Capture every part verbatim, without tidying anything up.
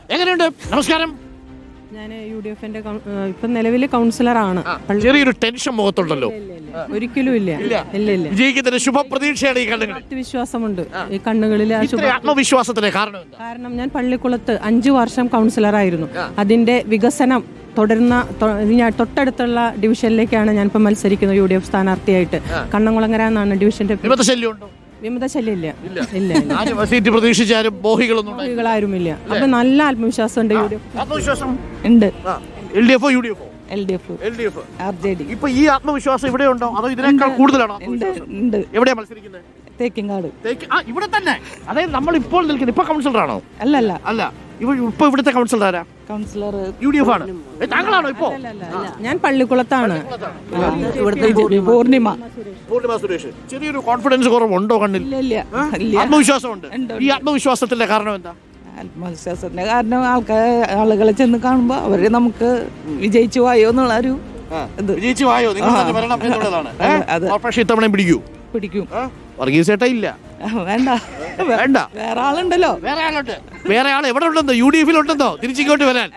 എങ്ങനെയുണ്ട്? നമസ്കാരം. ഞാൻ യു ഡി എഫിന്റെ ഇപ്പം നിലവിൽ കൗൺസിലറാണ്. ചെറിയൊരു ടെൻഷൻ മുഖത്തുണ്ടല്ലോ. ഒരിക്കലും ഇല്ല ഇല്ല ഇല്ല വിജയിക്കുന്നതിന് ശുഭപ്രതീക്ഷയാണ് ഈ കണ്ണുകൾ. വിശ്വാസമുണ്ട് ഈ കണ്ണിൽ. ആത്മവിശ്വാസത്തിന് കാരണം കാരണം ഞാൻ പള്ളിക്കുളത്ത് അഞ്ചു വർഷം കൗൺസിലറായിരുന്നു. അതിന്റെ വികസനം തുടരുന്ന ഞാൻ തൊട്ടടുത്തുള്ള ഡിവിഷനിലേക്കാണ് ഞാൻ ഇപ്പം മത്സരിക്കുന്നത് യു ഡി എഫ് സ്ഥാനാർത്ഥിയായിട്ട്. കണ്ണംകുളങ്ങര എന്നാണ് ഡിവിഷന്റെ. വിമത ശല്യം ഇല്ല ഇല്ല സീറ്റ് പ്രതീക്ഷിച്ചാലും ബോഹികളാരുമില്ല. അപ്പൊ നല്ല ആത്മവിശ്വാസം ഉണ്ട്. യു ഡി എഫ് ആത്മവിശ്വാസം ഉണ്ട്. എൽ ഡി എഫോ യു ഡി എഫോ? L D F L D F R J D. ഇപ്പൊ ഈ ആത്മവിശ്വാസം ഇവിടെ ഉണ്ടോ അതോ ഇതിനേക്കാൾ കൂടുതലാണോ? എവിടെയാ മത്സരിക്കുന്നത്? തേക്കിങ്ങാട്. ഇവിടെ തന്നെ? അതായത് നമ്മൾ ഇപ്പോൾ നിൽക്കുന്നത് ഇപ്പൊ കൗൺസിലറാണോ? അല്ല അല്ല അല്ല ഇപ്പൊ ഇവിടുത്തെ കൗൺസിലർ ആരാ? കൗൺസിലർ യു ഡി എഫ് ആണ്. താങ്കളാണോ ഇപ്പോ? ഞാൻ പള്ളിക്കുളത്താണ്. പൂർണിമ പൂർണിമ സുരേഷ്. ചെറിയൊരു കോൺഫിഡൻസ് കുറവുണ്ടോ കണ്ണിൽ? ആത്മവിശ്വാസമുണ്ട്. ഈ ആത്മവിശ്വാസത്തിന്റെ കാരണം എന്താ? ആത്മവിശ്വാസത്തിന്റെ കാരണം ആൾക്കാർ ആളുകളെ ചെന്ന് കാണുമ്പോ അവര് നമുക്ക് വിജയിച്ചു പോയോ എന്നുള്ള ഒരു വിജയിച്ചു പോയോ നിങ്ങൾ വരണം എന്നുള്ളതാണ്. കോർപ്പറേഷൻ ഇത്തവണ പിടിക്കൂ? പിടിക്കും. വർഗീസ് ചേട്ടാ ഇല്ല. വേണ്ട വേണ്ട വേറെ ആളുണ്ടല്ലോ. വേറെ ആളുണ്ട്. വേറെ ആൾ എവിടെ ഉണ്ടെന്നോ? യു ഡി എഫിൽ ഉണ്ടെന്നോ? തിരിച്ചിങ്ങോട്ട് വരാൻ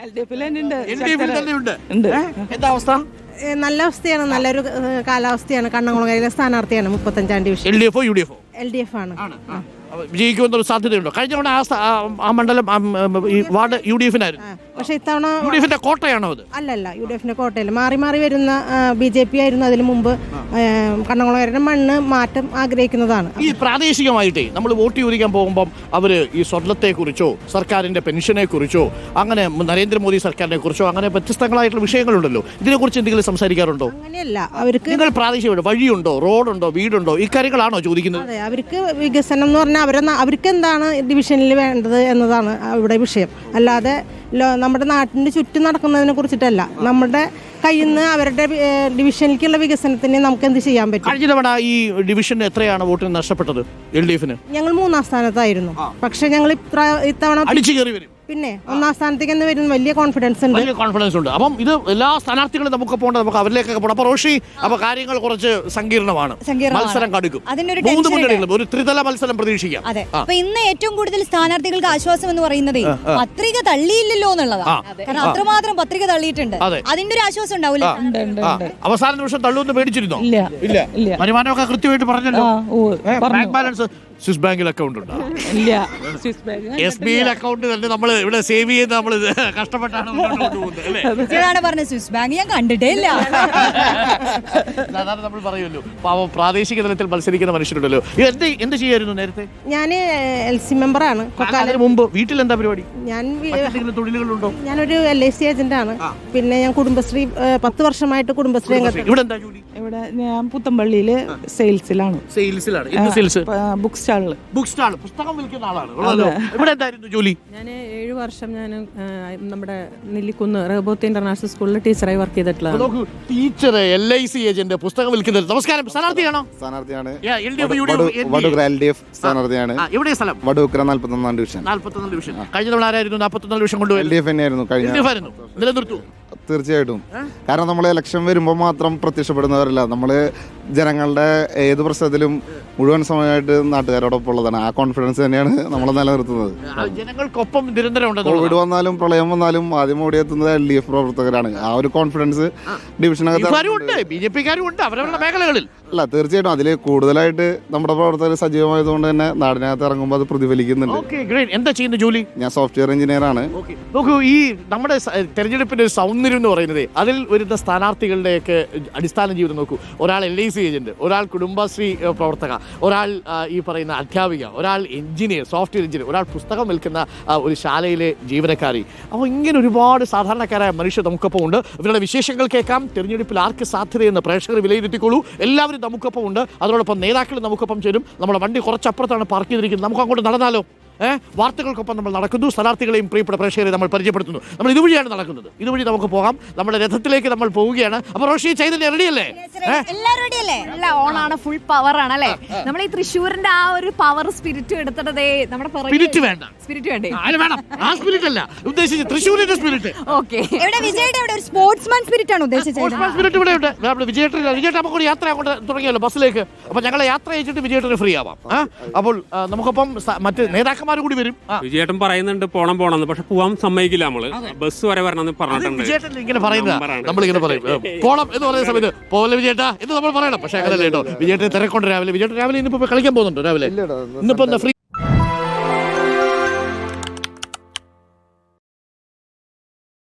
എന്താ അവസ്ഥ? നല്ല അവസ്ഥയാണ്. നല്ലൊരു കാലാവസ്ഥയാണ്. കണ്ണംകുളങ്ങരയിലെ സ്ഥാനാർത്ഥിയാണ്. മുപ്പത്തഞ്ചാം ഡിവിഷൻ. എൽ ഡി എഫോ യു ഡി എഫോ? എൽ ഡി എഫ് ആണ്. വിജയിക്കുമെന്നൊരു സാധ്യതയുണ്ടോ? കഴിഞ്ഞ തവണ ആ മണ്ഡലം ഈ വാർഡ് യു ഡി എഫിനായിരുന്നു. പക്ഷെ ഇത്തവണ യു ഡി എഫിന്റെ കോട്ടയാണോ അത്? അല്ലല്ല, യു ഡി എഫിന്റെ കോട്ടയല്ല. മാറി മാറി വരുന്ന ബി ജെ പി ആയിരുന്നു അതിന് മുമ്പ്. കണ്ണംകുളങ്ങരയുടെ മണ്ണ് മാറ്റം ആഗ്രഹിക്കുന്നതാണ്. ഈ പ്രാദേശികമായിട്ടേ നമ്മൾ വോട്ട് ചോദിക്കാൻ പോകുമ്പോൾ അവര് ഈ സ്വർണ്ണത്തെ കുറിച്ചോ സർക്കാരിന്റെ പെൻഷനെ കുറിച്ചോ അങ്ങനെ നരേന്ദ്രമോദി സർക്കാരിനെ കുറിച്ചോ അങ്ങനെ വ്യത്യസ്തങ്ങളായിട്ടുള്ള വിഷയങ്ങളുണ്ടല്ലോ, ഇതിനെക്കുറിച്ച് എന്തെങ്കിലും സംസാരിക്കാറുണ്ടോ? അങ്ങനെയല്ല. അവർക്ക് നിങ്ങൾ പ്രാദേശിക വഴിയുണ്ടോ, റോഡുണ്ടോ, വീടുണ്ടോ, ഈ കാര്യങ്ങളാണോ ചോദിക്കുന്നത്? അതെ, അവർക്ക് വികസനം എന്ന് പറഞ്ഞാൽ അവരെ അവർക്ക് എന്താണ് ഡിവിഷനിൽ വേണ്ടത് എന്നതാണ് ഇവിടെ വിഷയം. അല്ലാതെ നമ്മുടെ നാട്ടിൻ്റെ ചുറ്റും നടക്കുന്നതിനെ കുറിച്ചിട്ടല്ല. നമ്മുടെ കയ്യിൽ നിന്ന് അവരുടെ ഡിവിഷനിലേക്കുള്ള വികസനത്തിന് നമുക്ക് എന്ത് ചെയ്യാൻ പറ്റും? കഴിഞ്ഞ തവണ ഈ ഡിവിഷന് എത്രയാണ് വോട്ടിന് നഷ്ടപ്പെട്ടത് എൽ ഡി എഫിന്? ഞങ്ങൾ മൂന്നാം സ്ഥാനത്തായിരുന്നു. പക്ഷെ ഞങ്ങൾ ഇത്തവണ അടിച്ചു കയറി വരും. പിന്നെ ഒന്നാം സ്ഥാനത്തേക്ക് എന്ന് വരുന്ന വലിയ കോൺഫിഡൻസ് ഉണ്ട്. വലിയ കോൺഫിഡൻസ് ഉണ്ട്. അപ്പം ഇത് എല്ലാ സ്ഥാനാർത്ഥികളും നമുക്ക് പോകേണ്ട, നമുക്ക് അവരിലേക്കൊക്കെ പോകണം. അപ്പൊ റോഷി, അപ്പൊ കാര്യങ്ങൾ കുറച്ച് സങ്കീർണമാണ്. മത്സരം കടുക്കും. മൂന്ന് മുന്നണികളും ഒരു ത്രിതല മത്സരം പ്രതീക്ഷിക്കാം. അതെ. അപ്പൊ ഇന്ന് ഏറ്റവും കൂടുതൽ സ്ഥാനാർത്ഥികൾക്ക് ആശ്വാസം എന്ന് പറയുന്നത് പത്രിക തള്ളിയില്ലല്ലോ എന്നുള്ളതാണ്. കാരണം അത്രമാത്രം പത്രിക തള്ളിയിട്ടുണ്ട്. അതിന്റെ ഒരു ആശ്വാസം ഉണ്ടാവില്ല. അവസാന നിമിഷം തള്ളുമെന്ന് പേടിച്ചിരുന്നോ? ഇല്ല. വരുമാനമൊക്കെ കൃത്യമായിട്ട് പറഞ്ഞല്ലോ. ബാങ്ക് ബാലൻസ് സ്വിസ് ബാങ്കിൽ അക്കൗണ്ട് ഉണ്ടോ? ഇല്ല. എസ് ബി ഐ അക്കൗണ്ട് തന്നെ നമ്മൾ ഇവിടെ സേവ് ചെയ്ത് നമ്മൾ കഷ്ടപ്പെട്ടാണ് പറഞ്ഞത്. സ്വിസ് ബാങ്ക് ഞാൻ കണ്ടിട്ടേ ഇല്ല. സാധാരണ നമ്മൾ പറയുമല്ലോ പാവം പ്രാദേശിക തലത്തിൽ മത്സരിക്കുന്ന മനുഷ്യരുണ്ടല്ലോ. എന്ത് എന്ത് ചെയ്യായിരുന്നു നേരത്തെ? ഞാൻ എൽ സി മെമ്പറാണ്. മുമ്പ് വീട്ടിൽ എന്താ പരിപാടി? ഞാൻ തൊഴിലുകളുണ്ടോ? ഞാനൊരു എൽ ഐ സി ഏജന്റ് ആണ്. പിന്നെ ഞാൻ കുടുംബശ്രീ പത്ത് വർഷമായിട്ട് കുടുംബശ്രീ ഇവിടെ എന്താ ജോലി? ഇവിടെ ഞാൻ പുത്തമ്പള്ളിയില് സെയിൽസിലാണ്. സെയിൽസിലാണ്. എന്ത് സെയിൽസ്? ബുക്ക് സ്റ്റാളില്. ബുക്ക് സ്റ്റാൾ, പുസ്തകം വിൽക്കുന്ന ആളാണ്. ഇവിടെ എന്തായിരുന്നു ജോലി? ഞാൻ ഏഴു വർഷം ഞാൻ നമ്മുടെ നെല്ലിക്കുന്ന് റഹബോത്ത് ഇന്റർനാഷണൽ സ്കൂളിൽ ടീച്ചറായി വർക്ക് ചെയ്തിട്ടുള്ളത്. Teacher, L I C agent, പുസ്തകം വിൽക്കുന്നത്. നമസ്കാരം. സ്ഥാനാർത്ഥിയാണോ? സ്ഥാനാർത്ഥിയാണ്. എൽ ഡി എഫ് സ്ഥാനാർത്ഥിയാണ്. എവിടെ സ്ഥലം? വടൂക്കര നാൽപ്പത്തൊന്നാം ഡിവിഷൻ. നാൽപ്പത്തൊന്നാം ഡിവിഷൻ. കഴിഞ്ഞ തവണ ആരായിരുന്നു നാൽപ്പത്തൊന്നാം ഡിവിഷൻ കൊണ്ടുപോയി? എൽ ഡി എഫ് തന്നെയായിരുന്നു. കഴിഞ്ഞ നിലനിർത്തു. തീർച്ചയായിട്ടും. കാരണം നമ്മൾ ഇലക്ഷൻ വരുമ്പോൾ മാത്രം പ്രത്യക്ഷപ്പെടുന്നവരല്ല, നമ്മൾ ജനങ്ങളുടെ ഏത് പ്രശ്നത്തിലും മുഴുവൻ സമയമായിട്ട് നാട്ടുകാരോടൊപ്പം ഉള്ളതാണ്. ആ കോൺഫിഡൻസ് തന്നെയാണ് നമ്മളെ നിലനിർത്തുന്നത്. ജനങ്ങൾക്കൊപ്പം നിരന്തരം. കോവിഡ് വന്നാലും പ്രളയം വന്നാലും ആദ്യം ഓടിയെത്തുന്നത് എൽ ഡി എഫ് പ്രവർത്തകരാണ്. ആ ഒരു കോൺഫിഡൻസ് ഡിവിഷനകത്ത് ബി ജെ പിക്കാരും ഉണ്ട് അവരവരുടെ മേഖലകളിൽ. അല്ല, തീർച്ചയായിട്ടും അതിൽ കൂടുതലായിട്ട് നമ്മുടെ പ്രവർത്തകർ സജീവമായതുകൊണ്ട് തന്നെ നാടിനകത്ത് ഇറങ്ങുമ്പോൾ അത് പ്രതിഫലിക്കുന്നുണ്ട്. എന്താ ചെയ്യുന്ന ജോലി? ഞാൻ സോഫ്റ്റ്വെയർ എഞ്ചിനീയർ ആണ്. നോക്കൂ, ഈ നമ്മുടെ തെരഞ്ഞെടുപ്പിന്റെ ഒരു സൗന്ദര്യം എന്ന് പറയുന്നത് അതിൽ വരുന്ന സ്ഥാനാർത്ഥികളുടെയൊക്കെ അടിസ്ഥാന ജീവിതം നോക്കൂ. ഒരാൾ എൽ ഐ സി ഏജന്റ്, ഒരാൾ കുടുംബശ്രീ പ്രവർത്തക, ഒരാൾ ഈ പറയുന്ന അധ്യാപിക, ഒരാൾ എഞ്ചിനീയർ, സോഫ്റ്റ്വെയർ എഞ്ചിനീയർ, ഒരാൾ പുസ്തകം വിൽക്കുന്ന ഒരു ശാലയിലെ ജീവനക്കാരി. അപ്പോൾ ഇങ്ങനെ ഒരുപാട് സാധാരണക്കാരായ മനുഷ്യർ നമുക്കൊപ്പം ഉണ്ട്. ഇവരുടെ വിശേഷങ്ങൾ കേൾക്കാം. തെരഞ്ഞെടുപ്പിൽ ആർക്ക് സാധ്യതയെന്ന് പ്രേക്ഷകർ വിലയിരുത്തിക്കോളൂ. എല്ലാവരും നമുക്കൊപ്പം ഉണ്ട്. അതോടൊപ്പം നേതാക്കൾ നമുക്കൊപ്പം ചേരും. നമ്മുടെ വണ്ടി കുറച്ചപ്പുറത്താണ് പാർക്ക് ചെയ്തിരിക്കുന്നത്. നമുക്ക് അങ്ങോട്ട് നടന്നാലോ? ഏഹ് വാർത്തകൾക്കൊപ്പം നമ്മൾ നടക്കുന്നു. സ്ഥാനാർത്ഥികളെയും പ്രിയപ്പെട്ട പ്രേക്ഷകരെ നമ്മൾ പരിചയപ്പെടുത്തുന്നു. നമ്മൾ ഇതുവഴിയാണ് നടക്കുന്നത്. ഇതുവഴി നമുക്ക് പോകാം. നമ്മുടെ രഥത്തിലേക്ക് നമ്മൾ പോവുകയാണ്. അപ്പൊ റോഷി, ചൈതന്യ റെഡിയല്ലേ? ഓണാണ്, ഫുൾ പവർ ആണ് അല്ലേ? നമ്മൾ ഈ തൃശ്ശൂരിന്റെ ആ ഒരു പവർ സ്പിരിറ്റ് എടുത്തിട്ടേ നമ്മുടെ സ്പിരിറ്റ് വേണ്ട, സ്പിരിറ്റ് വേണ്ടേ? വേണം. ആ സ്പിരിറ്റ് അല്ല ഉദ്ദേശിച്ചത്, തൃശ്ശൂരിന്റെ സ്പിരിറ്റ്. ഓക്കെ. ഇവിടെ വിജയുടെ ഇവിടെ ഒരു സ്പോർട്സ്മാൻ സ്പിരിറ്റ് ആണ് ഉദ്ദേശിച്ചത്. സ്പോർട്സ്മാൻ സ്പിരിറ്റ് ഇവിടെ ഉണ്ട്. നമ്മൾ വിജയേട്ടൻ വിജയേട്ടൻ നമുക്ക് യാത്ര അങ്ങോട്ട് തുടങ്ങിയല്ലോ ബസ്സിലേക്ക്. അപ്പൊ ഞങ്ങളെ യാത്ര അയച്ചിട്ട് വിജയേട്ടന് ഫ്രീ ആവാം. അപ്പോൾ നമുക്കൊപ്പം മറ്റ് നേതാക്കൾ നേതാക്കന്മാർ കൂടി വരും. ആ. വിജയേട്ടൻ പറയുന്നുണ്ട് പോണം പോണെന്ന്, പക്ഷെ പോവാൻ സമ്മതിക്കില്ല. നമ്മള് ബസ് വരെ വരണമെന്ന് അത് പറഞ്ഞിട്ടുണ്ട്. വിജയേട്ടൻ ഇങ്ങനെ പറയുന്ന നമ്പറാണ്. നമ്മളിങ്ങനെ പറയും ഏ, പോണം എന്ന് പറയുന്ന സമയത്ത് പോലെ വിജയേട്ടാ എന്ന് നമ്മൾ പറയണം. പക്ഷെ അങ്ങനല്ല കേട്ടോ. വിജയേട്ടൻ തിരക്കൊണ്ട് രാവിലെ വിജയേട്ടൻ രാവിലെ ഇന്നിപ്പോ കളിക്കാൻ പോകുന്നുണ്ടോ? രാവിലെ ഇന്നിപ്പോ എന്താ ഫ്രീ